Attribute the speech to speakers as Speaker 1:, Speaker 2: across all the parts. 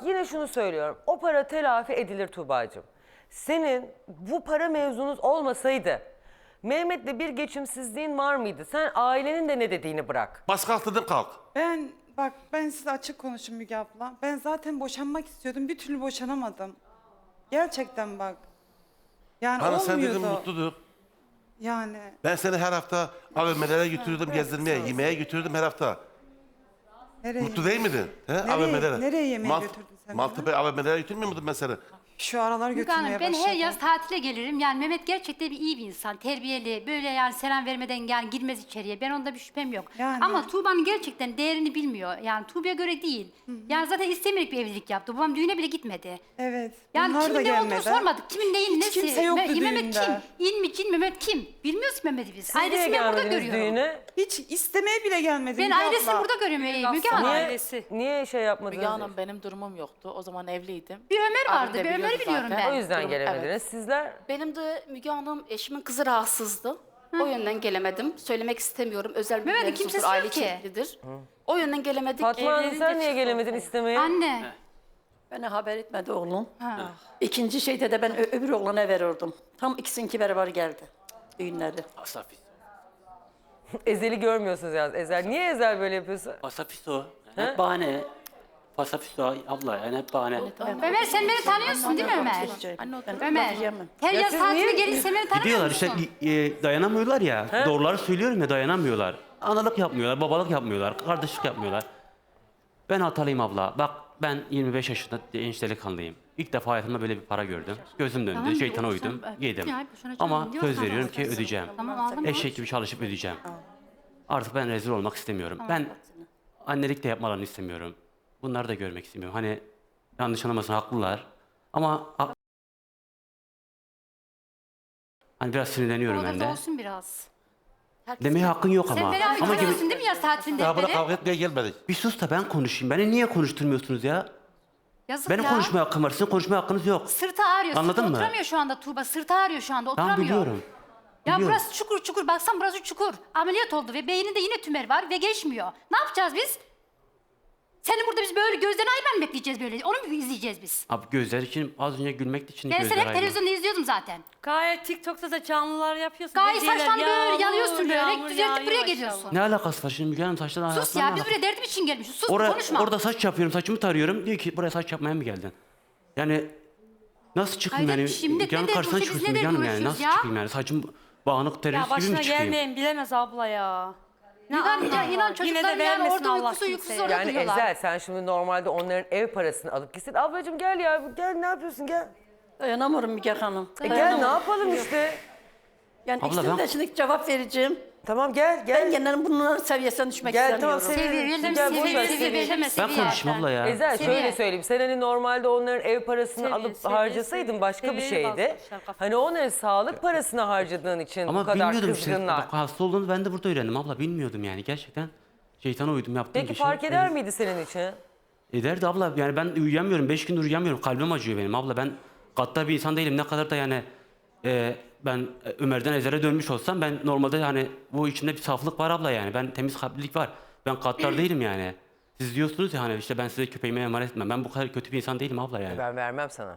Speaker 1: yine şunu söylüyorum. O para telafi edilir Tuğba'cığım. Senin bu para mevzunuz olmasaydı Mehmet'le bir geçimsizliğin var mıydı? Sen ailenin de ne dediğini bırak.
Speaker 2: Baskı altında kalk.
Speaker 3: Ben size açık konuşayım Müge abla. Ben zaten boşanmak istiyordum. Bir türlü boşanamadım. Gerçekten bak. Yani
Speaker 2: Hani sen
Speaker 3: olmuyordu.
Speaker 2: dedin mutludur.
Speaker 3: Yani.
Speaker 2: Ben seni her hafta AVM'lere götürürdüm, gezdirmeye, yemeğe götürürdüm her hafta.
Speaker 3: Nereye?
Speaker 2: Mutlu değil miydin? He? AVM'lere.
Speaker 3: Nereye yemeğe götürdün sen
Speaker 2: Maltepe AVM'lere götürmüyor muydun ben seni?
Speaker 3: Şu aralar
Speaker 4: Müge
Speaker 3: götürmeye
Speaker 4: Hanım, ben
Speaker 3: başladım.
Speaker 4: her yaz tatile gelirim. Yani Mehmet gerçekten iyi bir insan, terbiyeli. Böyle yani selam vermeden yani girmez içeriye. Ben onda bir şüphem yok.
Speaker 3: Yani.
Speaker 4: Ama Tuğba'nın gerçekten değerini bilmiyor. Yani Tuğba'ya göre değil. Yani zaten istemeyerek bir evlilik yaptı. Babam düğüne bile gitmedi.
Speaker 3: Evet.
Speaker 4: Yani
Speaker 3: bunlar da
Speaker 4: kimin ne olduğunu
Speaker 3: gelmedi.
Speaker 4: sormadık. Kimin neyin
Speaker 3: Hiç
Speaker 4: nesi.
Speaker 3: kimse yoktu
Speaker 4: Mehmet
Speaker 3: düğünde.
Speaker 4: kim? İn mi cin Mehmet kim? Bilmiyoruz ki Mehmet'i biz.
Speaker 1: Siz niye
Speaker 4: Ailesini ben burada
Speaker 1: gelmediniz
Speaker 4: görüyorum.
Speaker 1: düğüne?
Speaker 3: Hiç istemeye bile gelmedi
Speaker 4: Ben
Speaker 3: Müge
Speaker 4: ailesini
Speaker 3: abla.
Speaker 4: burada görüyorum Müge Hanım.
Speaker 5: Ailesi.
Speaker 1: Niye şey yapmadınız?
Speaker 5: Müge Hanım benim durumum yoktu. O zaman evliydim.
Speaker 4: Bir Ömer vardı.
Speaker 5: Abim de
Speaker 4: Bir Ömer'i
Speaker 5: biliyordu
Speaker 4: biliyorum
Speaker 5: zaten.
Speaker 1: O
Speaker 4: ben.
Speaker 1: yüzden
Speaker 5: Durum-
Speaker 1: gelemediniz.
Speaker 5: evet.
Speaker 1: Sizler
Speaker 6: Benim de Müge Hanım eşimin kızı rahatsızdı. O yönden gelemedim. Söylemek istemiyorum. Özel bir
Speaker 4: Mehmet'in
Speaker 6: mevzudur,
Speaker 4: kimsesi
Speaker 6: aile
Speaker 4: yok ki.
Speaker 6: içeriklidir. O yönden gelemedik.
Speaker 1: Fatma Hanım
Speaker 6: Evlenince
Speaker 1: sen niye
Speaker 6: çıktı
Speaker 1: gelemedin
Speaker 6: ortaya.
Speaker 1: istemeye?
Speaker 4: Anne.
Speaker 7: Bana haber etmedi oğlum.
Speaker 4: Ha.
Speaker 7: İkinci şeyde de ben öbür oğlana verirdim. Tam ikisininki beraber geldi. Düğünleri.
Speaker 8: Asafis.
Speaker 1: Ezel'i görmüyorsunuz yalnız. Ezel. Niye Ezel böyle yapıyorsun?
Speaker 8: Asafis o. Hep bahane. Asafis o abla yani hep bahane.
Speaker 4: Ömer sen beni tanıyorsun değil mi Ömer? Ömer.
Speaker 7: Yemem.
Speaker 4: Her
Speaker 1: Ya
Speaker 4: yaz
Speaker 1: siz
Speaker 4: tatile
Speaker 1: niye-
Speaker 4: gelirse beni tanımıyor
Speaker 9: Gidiyorlar
Speaker 4: musun?
Speaker 9: işte dayanamıyorlar ya. Doğruları söylüyorum ya dayanamıyorlar. Analık yapmıyorlar, babalık yapmıyorlar, kardeşlik yapmıyorlar. Ben hatalıyım abla. Bak ben 25 yaşında genç delikanlıyım. İlk defa hayatımda böyle bir para gördüm. Gözüm döndü,
Speaker 4: Tamam,
Speaker 9: şeytana
Speaker 4: sen-
Speaker 9: uydum,
Speaker 4: ben-
Speaker 9: yedim.
Speaker 4: Ya, boşuna
Speaker 9: Ama
Speaker 4: canım,
Speaker 9: söz
Speaker 4: diyorsan
Speaker 9: veriyorum ki
Speaker 4: alacaksın.
Speaker 9: ödeyeceğim.
Speaker 4: Tamam aldım.
Speaker 9: Eşek gibi çalışıp ödeyeceğim. Artık ben rezil olmak istemiyorum. Ben annelik de yapmalarını istemiyorum. Bunları da görmek istemiyorum. Hani yanlış anlamasın haklılar. Ama hani biraz sinirleniyorum ben
Speaker 4: Orada
Speaker 9: de.
Speaker 4: olsun biraz.
Speaker 9: Demeye hakkın yok
Speaker 4: Sen
Speaker 9: ama.
Speaker 4: beni abi
Speaker 9: Ama
Speaker 4: tanıyorsun değil mi yaz tatilinde
Speaker 2: Daha buna
Speaker 4: beni?
Speaker 2: kavga etmeye gelmedik.
Speaker 9: bir sus da ben konuşayım. Beni niye konuşturmuyorsunuz ya?
Speaker 4: Yazık
Speaker 9: Benim
Speaker 4: ya.
Speaker 9: konuşmaya hakkım var. Sizin konuşmaya hakkınız yok.
Speaker 4: Sırtı ağrıyor.
Speaker 9: Anladın
Speaker 4: Sırtı
Speaker 9: mı?
Speaker 4: oturamıyor şu anda Tuğba. Sırtı ağrıyor şu anda oturamıyor.
Speaker 9: Ben biliyorum.
Speaker 4: Ya
Speaker 9: biliyorum.
Speaker 4: burası çukur çukur. Baksan burası çukur. Ameliyat oldu ve beyninde yine tümör var ve geçmiyor. Ne yapacağız biz? Seni burada biz böyle gözden ayırman mı bekleyeceğiz böyle? Onu mu izleyeceğiz biz?
Speaker 9: Abi gözler için az önce gülmek için
Speaker 4: Ben
Speaker 9: gözler
Speaker 4: seni hep
Speaker 9: ayırma.
Speaker 4: televizyonda izliyordum zaten.
Speaker 5: Gayet TikTok'ta da canlılar yapıyorsun.
Speaker 4: Gayet
Speaker 5: Hediyeler,
Speaker 4: saçlarını böyle
Speaker 5: yağmur,
Speaker 4: yalıyorsun böyle.
Speaker 5: yağmur
Speaker 4: Düzeltip
Speaker 5: yağıyor
Speaker 4: buraya
Speaker 5: maşallah.
Speaker 4: geliyorsun.
Speaker 9: Ne alakası var şimdi Müge Hanım saçtan
Speaker 4: Sus ya biz buraya derdim için gelmişiz. Sus konuşma.
Speaker 9: Orada saç yapıyorum saçımı tarıyorum. Diyor ki buraya saç yapmaya mı geldin? Yani nasıl çıkayım
Speaker 4: Hayır,
Speaker 9: yani?
Speaker 4: şimdi
Speaker 9: Müge Hanım
Speaker 4: ne
Speaker 9: karşısına
Speaker 4: derdi, biz
Speaker 9: çıkıyorsun
Speaker 4: ne
Speaker 9: Müge Hanım
Speaker 4: derdi
Speaker 9: yani. Nasıl
Speaker 4: uğraşıyoruz ya?
Speaker 9: çıkayım yani? Saçım bağınık
Speaker 5: Ya
Speaker 9: terörist gibi mi
Speaker 5: başına
Speaker 9: çıkayım?
Speaker 5: gelmeyin bilemez abla ya.
Speaker 4: İnan
Speaker 5: Yine
Speaker 4: çocuklar
Speaker 5: de
Speaker 4: yani
Speaker 5: vermesin
Speaker 4: orada
Speaker 5: Allah
Speaker 4: uykusuz uykusuz
Speaker 5: kimseye.
Speaker 4: orada
Speaker 1: Yani
Speaker 4: duruyorlar.
Speaker 1: Ezel sen şimdi normalde onların ev parasını alıp gitsin. Ablacığım gel ya gel ne yapıyorsun gel.
Speaker 7: Dayanamıyorum Müge Hanım.
Speaker 1: Gel ne yapalım işte.
Speaker 7: Yani
Speaker 9: Abla,
Speaker 7: ikisine
Speaker 9: ben-
Speaker 7: de şimdi cevap vereceğim.
Speaker 1: Tamam gel
Speaker 7: Ben
Speaker 1: gel.
Speaker 7: genel bunların seviyesine düşmek
Speaker 1: Gel tamam
Speaker 7: istemiyorum.
Speaker 1: seviyorum. Gel boş ver seviyorum.
Speaker 9: Ben konuşayım abla ya.
Speaker 1: Ezel
Speaker 4: Seviye.
Speaker 1: şöyle söyleyeyim. Sen hani normalde onların ev parasını alıp harcasaydın başka bir şeydi.
Speaker 5: basmışlar kafaya.
Speaker 1: Hani onların sağlık parasını harcadığın için bu
Speaker 9: Ama
Speaker 1: kadar
Speaker 9: bilmiyordum işte.
Speaker 1: kızgınlar.
Speaker 9: Bak, hasta olduğunu ben de burada öğrendim abla. Bilmiyordum yani gerçekten. Şeytana uydum yaptığım
Speaker 1: Peki
Speaker 9: bir şey.
Speaker 1: fark eder miydi senin için?
Speaker 9: Ederdi abla. Yani ben uyuyamıyorum. 5 gündür uyuyamıyorum. Kalbim acıyor benim abla. Ben gaddar bir insan değilim. Ne kadar da yani ben Ömer'den Ezer'e dönmüş olsam ben normalde hani bu içimde bir saflık var abla yani. Ben temiz kalplilik var. Ben gaddar değilim yani. Siz diyorsunuz ya hani işte ben size köpeğime emanet etmem. Ben bu kadar kötü bir insan değilim abla yani.
Speaker 1: Ben vermem sana.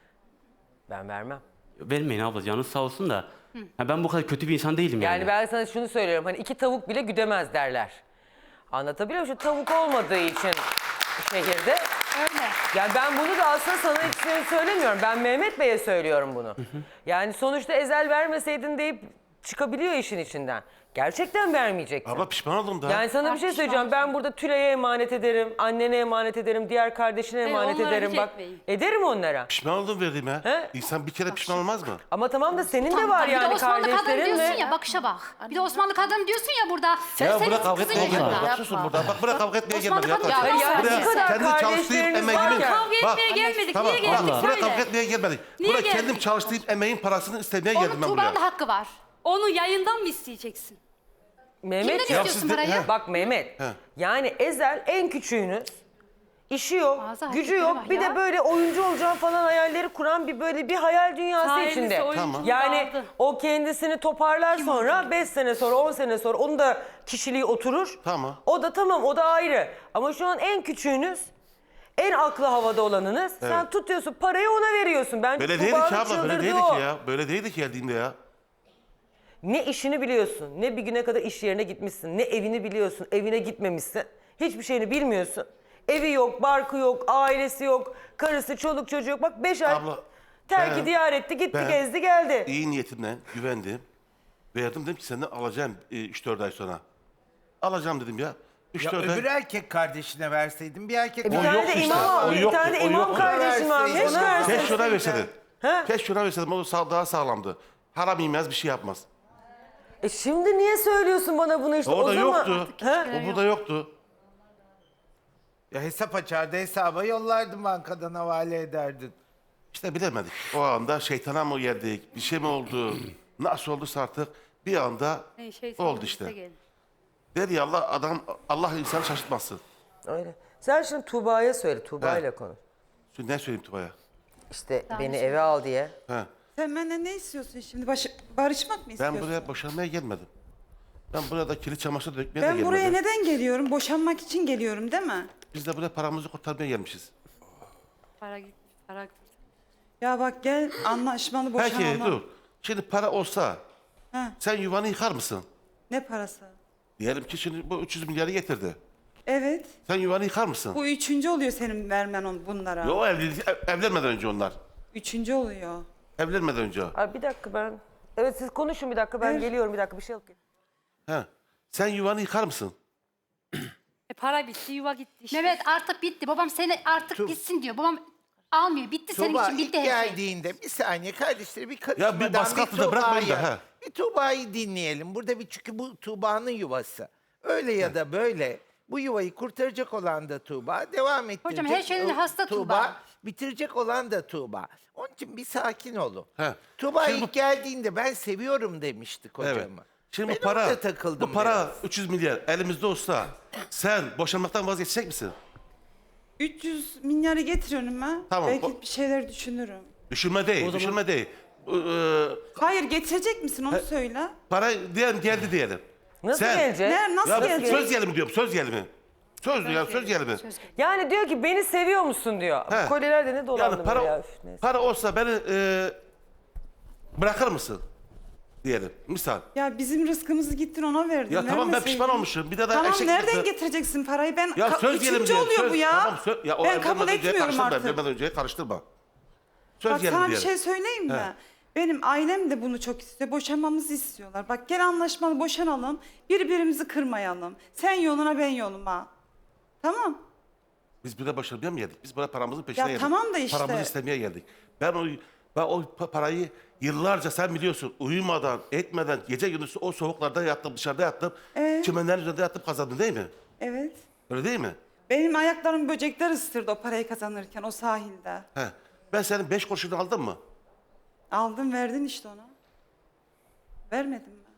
Speaker 1: Ben vermem.
Speaker 9: Vermeyin abla canınız sağ olsun da. Ha, ben bu kadar kötü bir insan değilim yani.
Speaker 1: Yani ben sana şunu söylüyorum. Hani 2 tavuk bile güdemez derler. Anlatabiliyor muyum? Şu tavuk olmadığı için şehirde.
Speaker 4: Öyle.
Speaker 1: Yani ben bunu da aslında sana hiç söylemiyorum. Ben Mehmet Bey'e söylüyorum bunu. Yani sonuçta Ezel vermeseydin deyip çıkabiliyor işin içinden. Gerçekten vermeyecektin.
Speaker 2: Abla pişman oldum da.
Speaker 1: Yani sana bir şey söyleyeceğim. Ben burada Tülay'a emanet ederim, annene emanet ederim, diğer kardeşine emanet
Speaker 5: onlara
Speaker 1: ederim.
Speaker 5: hiç
Speaker 1: Bak
Speaker 5: etmeyin.
Speaker 1: ederim onlara.
Speaker 2: Pişman oldum verdiğime.
Speaker 1: He?
Speaker 2: İnsan bir kere pişman olmaz mı?
Speaker 1: Ama tamam da senin de
Speaker 4: Tamam,
Speaker 1: var
Speaker 4: bir de
Speaker 1: yani
Speaker 4: Osmanlı kadın
Speaker 1: kardeşlerin
Speaker 4: diyorsun
Speaker 1: ve...
Speaker 4: ya bakışa bak. Bir de Osmanlı kadın diyorsun ya burada.
Speaker 2: Ya
Speaker 4: Senin
Speaker 2: bırak kavga
Speaker 4: kızın
Speaker 2: etmeye
Speaker 4: yaşında.
Speaker 2: gelmedik. Bak susun burada. Bak bırak kavga etmeye
Speaker 4: Osmanlı
Speaker 2: gelmedik.
Speaker 4: kadın
Speaker 2: Arkadaşlar.
Speaker 4: ya,
Speaker 1: ya
Speaker 4: bu
Speaker 1: bu kadar
Speaker 2: kendi çalıştığım
Speaker 1: kardeşleriniz
Speaker 2: emeğimin...
Speaker 1: varken-
Speaker 5: Kavga etmeye gelmedik.
Speaker 2: Tamam,
Speaker 5: Niye geldik
Speaker 2: abla, buraya
Speaker 5: söyle.
Speaker 2: kavga etmeye gelmedik.
Speaker 5: Niye
Speaker 2: Buraya
Speaker 5: geldik?
Speaker 2: kendim çalıştığım emeğin parasını istemeye geldim
Speaker 4: Onun
Speaker 2: ben buraya.
Speaker 4: Tuğba'nın da hakkı var.
Speaker 5: Onu yayından mı isteyeceksin?
Speaker 1: Mehmet
Speaker 4: Kimden
Speaker 1: ya,
Speaker 4: istiyorsun
Speaker 2: siz de-
Speaker 4: parayı?
Speaker 2: he.
Speaker 1: bak Mehmet. Yani Ezel en küçüğünüz. İşi yok,
Speaker 4: Ağzı
Speaker 1: gücü
Speaker 4: hareketleri
Speaker 1: yok.
Speaker 4: var
Speaker 1: Bir
Speaker 4: ya.
Speaker 1: de böyle oyuncu olacağım falan hayalleri kuran bir böyle bir hayal dünyası
Speaker 5: Sahibisi
Speaker 1: içinde.
Speaker 5: oyunculuğu
Speaker 1: Yani
Speaker 5: aldı.
Speaker 1: o kendisini toparlar sonra 5 sene sonra 10 sene sonra onun da kişiliği oturur.
Speaker 2: Tamam.
Speaker 1: O da tamam o da ayrı. Ama şu an en küçüğünüz En aklı havada olanınız. Sen tutuyorsun parayı ona veriyorsun. Ben
Speaker 2: Böyle değildi
Speaker 1: Tuğba'nın
Speaker 2: ki abla, böyle
Speaker 1: çıldırdığı
Speaker 2: değildi
Speaker 1: o.
Speaker 2: ki ya. Böyle değildi ki geldiğimde ya.
Speaker 1: Ne işini biliyorsun, ne bir güne kadar iş yerine gitmişsin, ne evini biliyorsun, evine gitmemişsin. Hiçbir şeyini bilmiyorsun. Evi yok, barkı yok, ailesi yok, karısı, çoluk çocuğu yok. Bak 5 ay
Speaker 2: Abla,
Speaker 1: terki
Speaker 2: ben-
Speaker 1: diyar etti, gitti,
Speaker 2: ben
Speaker 1: gezdi, geldi.
Speaker 2: İyi niyetimle güvendim. Verdim dedim ki senden alacağım 3-4 ay sonra. Alacağım dedim ya.
Speaker 10: Ya
Speaker 2: 3-4
Speaker 10: öbür
Speaker 2: ay.
Speaker 10: erkek kardeşine verseydin bir erkek
Speaker 1: Bir
Speaker 2: O
Speaker 1: tane
Speaker 2: yok
Speaker 1: de
Speaker 2: işte,
Speaker 1: imam,
Speaker 2: o
Speaker 1: bir
Speaker 2: yoktu,
Speaker 1: tane de
Speaker 2: o
Speaker 1: imam
Speaker 2: yoktu.
Speaker 1: kardeşim varmış,
Speaker 10: Verseydin.
Speaker 1: onu versin.
Speaker 2: Keşke ona verseydin.
Speaker 1: Ha?
Speaker 2: Keşke ona verseydin. O daha sağlamdı. Haram yemez bir şey yapmaz.
Speaker 1: Şimdi niye söylüyorsun bana bunu işte?
Speaker 2: O da
Speaker 1: zaman...
Speaker 2: yoktu.
Speaker 1: Ha?
Speaker 2: O burada yoktu.
Speaker 10: Ya hesap açardı, hesaba yollardın, bankadan havale ederdin.
Speaker 2: İşte bilemedik. O anda şeytana mı geldik? Bir şey mi oldu? Nasıl olduysa artık bir anda oldu işte. Der ya Allah insanı şaşırtmasın.
Speaker 1: Öyle. Sen şimdi Tuğba'ya söyle, Tuğba
Speaker 2: He.
Speaker 1: ile konuş.
Speaker 2: Şimdi ne söyleyeyim Tuba'ya?
Speaker 1: İşte beni eve al diye.
Speaker 2: He.
Speaker 3: Sen benden ne istiyorsun şimdi? Barışmak mı istiyorsun?
Speaker 2: Ben buraya boşanmaya gelmedim. Ben burada da kirli çamaşır dökmeye de
Speaker 3: Ben
Speaker 2: gelmedim.
Speaker 3: buraya neden geliyorum? Boşanmak için geliyorum değil mi?
Speaker 2: Biz de buraya paramızı kurtarmaya gelmişiz.
Speaker 5: Para gitti, para gitti.
Speaker 3: Ya bak gel anlaşmalı boşanalım.
Speaker 2: Peki dur. Şimdi para olsa
Speaker 3: Ha.
Speaker 2: sen yuvanı yıkar mısın?
Speaker 3: Ne parası?
Speaker 2: Diyelim ki şimdi bu 300 milyarı getirdi.
Speaker 3: Evet.
Speaker 2: Sen yuvanı yıkar mısın?
Speaker 3: Bu üçüncü oluyor senin vermen bunlara.
Speaker 2: Yo evlenmeden önce onlar.
Speaker 3: Üçüncü oluyor.
Speaker 2: Evlenmeden önce.
Speaker 1: Abi bir dakika ben... Evet siz konuşun bir dakika, ben
Speaker 3: Evet.
Speaker 1: geliyorum bir dakika, bir şey alıp geliyorum.
Speaker 2: He. Sen yuvanı yıkar mısın?
Speaker 5: Para bitti, yuva gitti işte.
Speaker 4: Mehmet artık bitti. Babam seni artık gitsin diyor. Babam almıyor. Bitti senin
Speaker 10: Tuğba
Speaker 4: için,
Speaker 10: ilk
Speaker 4: bitti her şey.
Speaker 10: geldiğinde bir saniye kardeşleri bir
Speaker 2: Ya
Speaker 10: karışmadan
Speaker 2: bir baskı altında bırakmayın da, he.
Speaker 10: Bir Tuğba'yı dinleyelim. Burada çünkü bu Tuğba'nın yuvası. Öyle ya da böyle bu yuvayı kurtaracak olan da Tuğba, devam ettirecek.
Speaker 4: Hocam her şeyin hasta Tuğba.
Speaker 10: Bitirecek olan da Tuğba. Onun için bir sakin olun.
Speaker 2: He.
Speaker 10: Tuğba
Speaker 2: Şimdi
Speaker 10: ilk geldiğinde ben seviyorum demişti
Speaker 2: Evet.
Speaker 10: kocamı.
Speaker 2: Şimdi
Speaker 10: Ben
Speaker 2: bu para,
Speaker 10: orada takıldım
Speaker 2: bu para
Speaker 10: biraz.
Speaker 2: 300 milyar elimizde olsa sen boşanmaktan vazgeçecek misin?
Speaker 3: 300 milyarı getir önüme.
Speaker 2: Tamam,
Speaker 3: Belki bir şeyler düşünürüm.
Speaker 2: Düşünme değil, düşünme değil.
Speaker 3: Hayır getirecek misin onu söyle.
Speaker 2: Para diyelim geldi diyelim.
Speaker 1: Nasıl
Speaker 2: Sen-
Speaker 1: gelecek?
Speaker 3: Nasıl
Speaker 2: Ya
Speaker 3: gelecek?
Speaker 2: söz gelimi diyorum, söz gelimi. Söz gelimi.
Speaker 1: Yani diyor ki beni seviyor musun diyor.
Speaker 2: He.
Speaker 1: Kolyeler de ne dolandı
Speaker 2: Yani para,
Speaker 1: böyle ya. Üf, neyse.
Speaker 2: para olsa beni bırakır mısın? Diyelim, misal.
Speaker 3: Ya bizim rızkımızı gittin ona verdin.
Speaker 2: Ya tamam ben
Speaker 3: vermeseydin.
Speaker 2: pişman olmuşum. Bir de
Speaker 3: Tamam
Speaker 2: eşek
Speaker 3: nereden
Speaker 2: gibi-
Speaker 3: getireceksin parayı? Ben
Speaker 2: Ya söz
Speaker 3: üçüncü
Speaker 2: gelimi diyelim.
Speaker 3: oluyor
Speaker 2: söz,
Speaker 3: bu ya.
Speaker 2: Tamam, ya o
Speaker 3: Ben kabul
Speaker 2: evlenmeden önceye
Speaker 3: etmiyorum
Speaker 2: karıştırma,
Speaker 3: artık.
Speaker 2: evlenmeden önceye karıştırma. Söz
Speaker 3: Bak
Speaker 2: gelimi
Speaker 3: sana bir
Speaker 2: diyelim.
Speaker 3: şey söyleyeyim mi? Benim ailem de bunu çok istiyor. Boşanmamızı istiyorlar. Bak gel anlaşmalı boşanalım. Birbirimizi kırmayalım. Sen yoluna ben yoluma. Tamam.
Speaker 2: Biz buraya boşanmaya mı geldik? Biz buraya paramızın peşine
Speaker 3: Ya
Speaker 2: geldik.
Speaker 3: tamam da işte.
Speaker 2: Paramızı istemeye geldik. Ben o parayı yıllarca sen biliyorsun uyumadan, etmeden, gece gündüz o soğuklarda yattım, dışarıda yattım. Çimenlerin üzerinde yattım kazandım değil mi?
Speaker 3: Evet.
Speaker 2: Öyle değil mi?
Speaker 3: Benim ayaklarım böcekler ısırdı o parayı kazanırken o sahilde.
Speaker 2: He. Ben senin 5 kuruşunu aldım mı?
Speaker 3: Aldın verdin işte ona. Vermedin mi?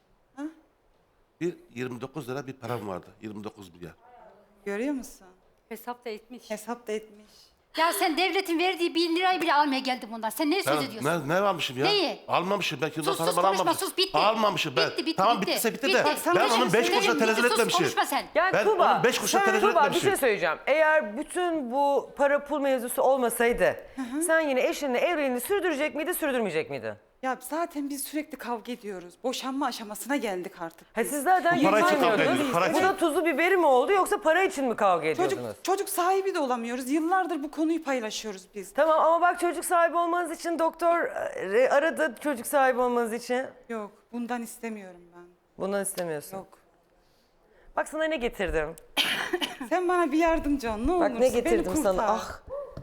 Speaker 2: Bir 29 lira bir param vardı. 29 milyar.
Speaker 3: Görüyor musun?
Speaker 5: Hesap da etmiş.
Speaker 3: Hesap da etmiş.
Speaker 4: Ya sen devletin verdiği 1 lirayı bile almaya geldin bundan. Sen ne söz
Speaker 2: Ben,
Speaker 4: ediyorsun?
Speaker 2: ne almışım ya?
Speaker 4: Neyi?
Speaker 2: Almamışım. Ben kimden
Speaker 4: Sus,
Speaker 2: para
Speaker 4: sus,
Speaker 2: bana
Speaker 4: konuşma,
Speaker 2: almamışım.
Speaker 4: sus, bitti.
Speaker 2: Almamışım ben.
Speaker 4: Bitti,
Speaker 2: tamam
Speaker 4: bitti.
Speaker 2: bittiyse bitti
Speaker 4: Bitti.
Speaker 2: de.
Speaker 4: Bak,
Speaker 3: sana
Speaker 2: Ben
Speaker 3: bir şey
Speaker 2: onun 5 kuruşuna
Speaker 4: söyleyeyim,
Speaker 2: tenezzül
Speaker 4: sus,
Speaker 2: etmemişim.
Speaker 4: konuşma sen.
Speaker 1: Yani
Speaker 2: Ben
Speaker 1: Tuğba,
Speaker 2: onun 5 kuruşuna tenezzül
Speaker 1: Tuğba bir
Speaker 2: etmemişim.
Speaker 1: şey söyleyeceğim. Eğer bütün bu para pul mevzusu olmasaydı sen yine eşinle evliliğini sürdürecek miydi, sürdürmeyecek miydin?
Speaker 3: Ya zaten biz sürekli kavga ediyoruz. Boşanma aşamasına geldik artık.
Speaker 1: Ha siz zaten
Speaker 2: Bu para için kavga
Speaker 1: yıkanmıyordunuz.
Speaker 2: ediyoruz, para
Speaker 1: Bu
Speaker 2: için.
Speaker 1: da tuzu biberi mi oldu yoksa para için mi kavga ediyordunuz?
Speaker 3: Çocuk sahibi de olamıyoruz. Yıllardır bu konuyu paylaşıyoruz biz.
Speaker 1: Tamam ama bak çocuk sahibi olmanız için doktor aradı çocuk sahibi olmanız için.
Speaker 3: Yok bundan istemiyorum ben.
Speaker 1: Bundan istemiyorsun.
Speaker 3: Yok.
Speaker 1: Bak sana ne getirdim.
Speaker 3: Sen bana bir yardımcı ol ne olursun.
Speaker 1: Bak ne
Speaker 3: beni
Speaker 1: getirdim
Speaker 3: kurtar.
Speaker 1: sana. Ah.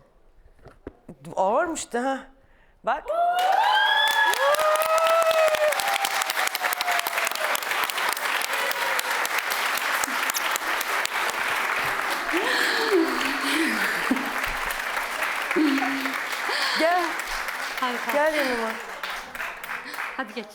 Speaker 1: Ağırmış da ha. Bak. Gel.
Speaker 5: Hadi kalk.
Speaker 1: Gel yanıma.
Speaker 5: Hadi geç.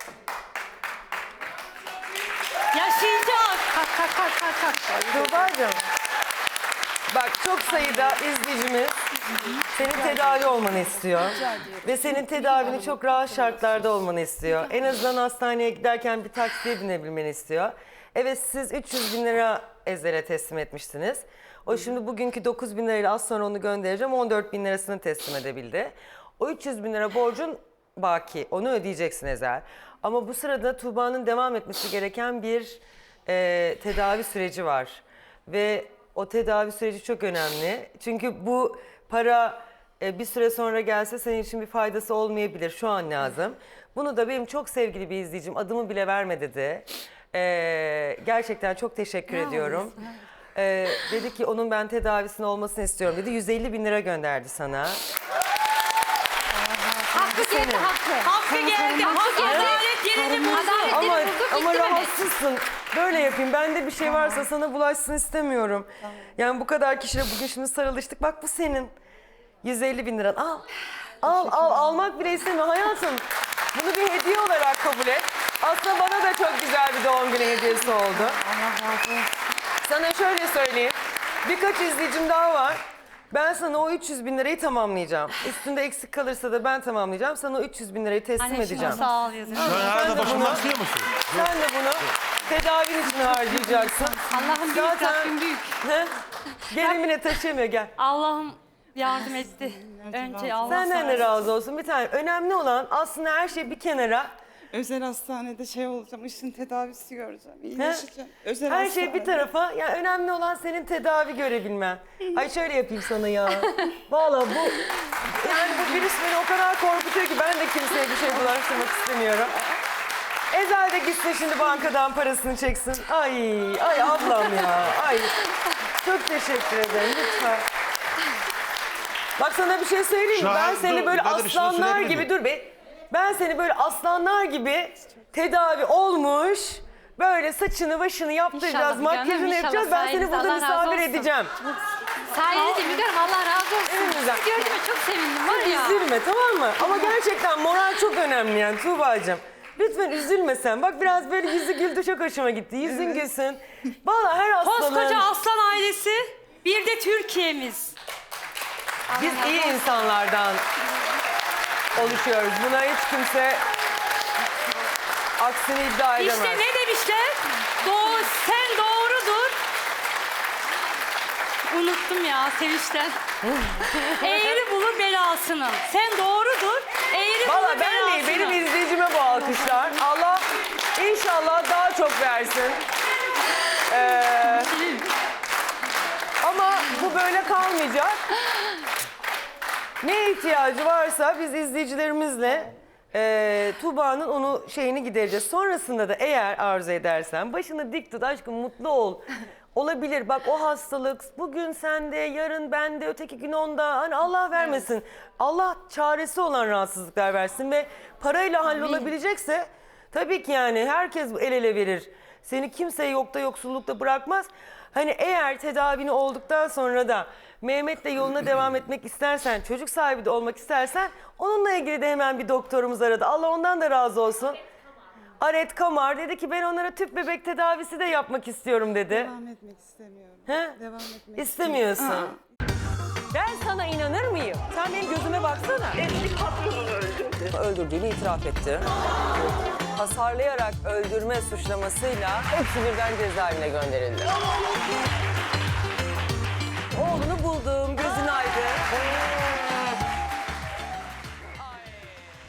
Speaker 5: Yaşayacak.
Speaker 4: Kalk kalk kalk kalk. kalk.
Speaker 1: Tuğba'cığım. Bak çok sayıda izleyicimiz senin tedavi olmanı istiyor. Ve senin tedavini çok rahat şartlarda olmanı istiyor. En azından hastaneye giderken bir taksiye binebilmeni istiyor. Evet siz 300 bin lira Ezel'e teslim etmiştiniz. O şimdi bugünkü 9 bin lirayla az sonra onu göndereceğim. 14 bin lirasını teslim edebildi. O 300 bin lira borcun baki. Onu ödeyeceksin Ezel. Ama bu sırada Tuğba'nın devam etmesi gereken bir tedavi süreci var. Ve o tedavi süreci çok önemli. Çünkü bu para bir süre sonra gelse senin için bir faydası olmayabilir. Şu an lazım. Bunu da benim çok sevgili bir izleyicim adımı bile verme dedi. Gerçekten çok teşekkür ediyorum. Dedi ki onun ben tedavisinin olmasını istiyorum dedi. 150 bin lira gönderdi sana.
Speaker 5: Hakkı geldi hakkı. Hakkı geldi. Hakkı adalet yerini buldu.
Speaker 1: Ama rahatsızsın. Böyle yapayım. Bende bir şey varsa sana bulaşsın istemiyorum. Yani bu kadar kişiyle bugün şimdi sarılıştık. Bak bu senin. 150 bin liran. Al. Al. Almak bile istemiyorum hayatım. Bunu bir hediye olarak kabul et. Aslında bana da çok güzel bir doğum günü hediyesi oldu. Allah razı olsun. Sana şöyle söyleyeyim. Birkaç izleyicim daha var. Ben sana o 300 bin lirayı tamamlayacağım. Üstünde eksik kalırsa da ben tamamlayacağım. Sana o 300 bin lirayı teslim edeceğim.
Speaker 5: Sağ ol yazın.
Speaker 2: Şu an hala başımdan istiyor musun?
Speaker 1: Sen de bunu tedavin için harcayacaksın.
Speaker 5: Allah'ım büyük, Rabbim büyük.
Speaker 1: Gelimine taşıyamıyor gel.
Speaker 5: Allah'ım yardım etti. Önce Allah
Speaker 1: Senden de razı olsun. Bir tane önemli olan aslında her şey bir kenara.
Speaker 3: Özel hastanede şey olacağım, işin tedavisi göreceğim, iyileşeceğim. Özel
Speaker 1: Her
Speaker 3: hastane.
Speaker 1: şey bir tarafa. Yani önemli olan senin tedavi görebilmen. Ay şöyle yapayım sana ya. Vallahi bu yani bu virüs beni o kadar korkutuyor ki ben de kimseye bir şey bulaştırmak istemiyorum. Ezel de gitsin şimdi bankadan parasını çeksin. Ay ablam ya. Ay. Çok teşekkür ederim lütfen. Bak sana bir şey söyleyeyim mi?
Speaker 2: Şu
Speaker 1: Ben
Speaker 2: an
Speaker 1: seni
Speaker 2: dur,
Speaker 1: böyle
Speaker 2: ben de bir şey
Speaker 1: aslanlar
Speaker 2: söyleyebilir
Speaker 1: gibi
Speaker 2: miyim?
Speaker 1: dur be. Ben seni böyle aslanlar gibi tedavi olmuş. Böyle saçını başını yaptıracağız,
Speaker 5: İnşallah canım,
Speaker 1: makyajını
Speaker 5: inşallah.
Speaker 1: yapacağız. Ben seni
Speaker 5: Sayenizde
Speaker 1: burada
Speaker 5: Allah razı
Speaker 1: misafir
Speaker 5: olsun.
Speaker 1: edeceğim.
Speaker 5: Sayenizde Müge Hanım Allah razı olsun.
Speaker 1: En güzel.
Speaker 5: Sizi gördüğüme çok sevindim var ya.
Speaker 1: Üzülme tamam mı? Ama gerçekten moral çok önemli yani Tuğba'cığım. Lütfen üzülme sen. Bak biraz böyle yüzü güldü çok hoşuma gitti. Yüzün gülsün. Vallahi her hastalığın...
Speaker 5: Koskoca aslan ailesi, bir de Türkiye'miz.
Speaker 1: Biz iyi insanlardan oluşuyoruz. Buna hiç kimse aksini iddia edemez.
Speaker 5: İşte ne demişler? Sen doğrudur. Unuttum ya sevinçten. Eğri bulur belasını. Sen doğrudur. Eğri
Speaker 1: Valla
Speaker 5: bulur
Speaker 1: ben
Speaker 5: belasını.
Speaker 1: değil, benim izleyicime bu alkışlar. Allah inşallah daha çok versin. Ama bu böyle kalmayacak. Ne ihtiyacı varsa biz izleyicilerimizle Tuğba'nın onu şeyini gidereceğiz. Sonrasında da eğer arzu edersen başını dik tut aşkım mutlu ol. Olabilir bak o hastalık bugün sende yarın bende öteki gün onda hani Allah vermesin. Allah çaresi olan rahatsızlıklar versin ve parayla hallolabilecekse tabii ki yani herkes el ele verir. Seni kimse yokta yoksullukta bırakmaz. Hani eğer tedavini olduktan sonra da Mehmet'le yoluna devam etmek istersen, çocuk sahibi de olmak istersen onunla ilgili de hemen bir doktorumuz aradı. Allah ondan da razı olsun. Aret Kamar dedi ki ben onlara tüp bebek tedavisi de yapmak istiyorum dedi.
Speaker 3: Devam etmek istemiyorum.
Speaker 1: He?
Speaker 3: Devam etmek
Speaker 1: İstemiyorsun. Ben sana inanır mıyım? Sen benim gözüme baksana.
Speaker 11: Eski patronunu öldürdü.
Speaker 1: Öldürdüğünü itiraf etti. Hasarlayarak öldürme suçlamasıyla hepsi birden cezaevine gönderildi. Oğlunu buldum.